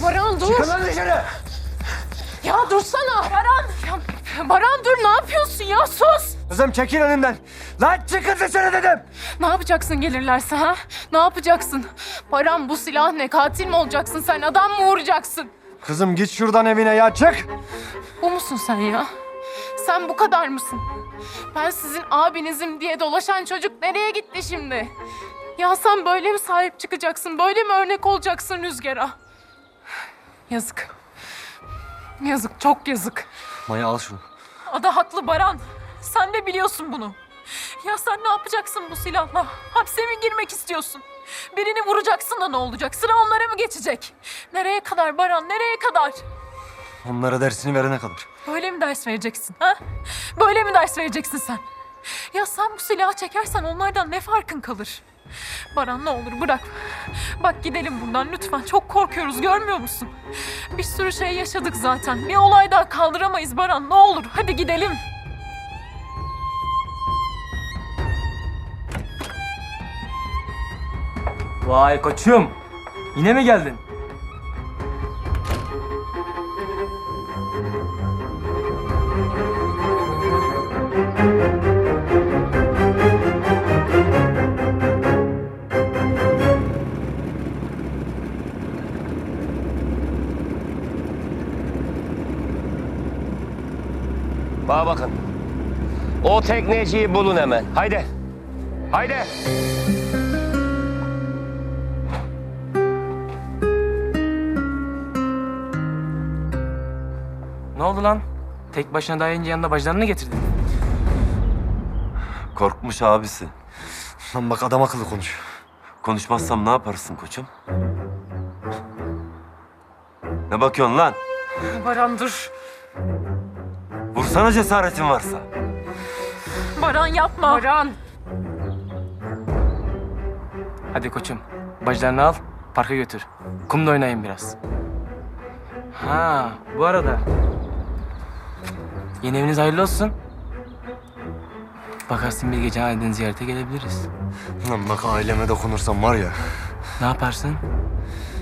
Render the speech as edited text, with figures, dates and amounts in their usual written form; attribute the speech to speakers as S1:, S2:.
S1: Baran dur.
S2: Çıkın lan dışarı.
S1: Ya dursana. Baran. Ya, Baran dur ne yapıyorsun ya sus.
S2: Kızım çekil önümden. Lan çıkın dışarı dedim.
S1: Ne yapacaksın gelirlerse ha? Ne yapacaksın? Baran bu silah ne? Katil mi olacaksın sen? Adam mı vuracaksın?
S2: Kızım git şuradan evine ya çık.
S1: Bu musun sen ya? Sen bu kadar mısın? Ben sizin abinizim diye dolaşan çocuk nereye gitti şimdi? Ya sen böyle mi sahip çıkacaksın? Böyle mi örnek olacaksın Rüzgar'a? Yazık. Yazık, çok yazık.
S2: Maya al şunu.
S3: Ada haklı Baran. Sen de biliyorsun bunu. Ya sen ne yapacaksın bu silahla? Hapse mi girmek istiyorsun? Birini vuracaksın da ne olacak? Sıra onlara mı geçecek? Nereye kadar Baran, nereye kadar?
S2: Onlara dersini verene kadar.
S3: Böyle mi ders vereceksin ha? Böyle mi ders vereceksin sen? Ya sen bu silahı çekersen onlardan ne farkın kalır? Baran ne olur bırak. Bak gidelim buradan lütfen. Çok korkuyoruz görmüyor musun? Bir sürü şey yaşadık zaten. Bir olay daha kaldıramayız Baran ne olur. Hadi gidelim.
S4: Vay koçum. Yine mi geldin?
S5: Bana bakın. O tekneciyi bulun hemen. Haydi. Haydi.
S4: Ne oldu lan? Tek başına dayayınca yanında bacılarını getirdin.
S6: Korkmuş abisi.
S2: Lan bak adam akıllı konuş.
S6: Konuşmazsam ne yaparsın koçum? Ne bakıyorsun lan?
S3: Baran dur.
S6: Vursana cesaretin varsa.
S3: Baran yapma.
S1: Baran.
S4: Hadi koçum. Bacılarını al, parka götür. Kumda oynayın biraz. Ha, bu arada. Yeni eviniz hayırlı olsun. Bakarsın bir gece aniden ziyarete gelebiliriz.
S2: Lan bak aileme dokunursam var ya.
S4: Ne yaparsın?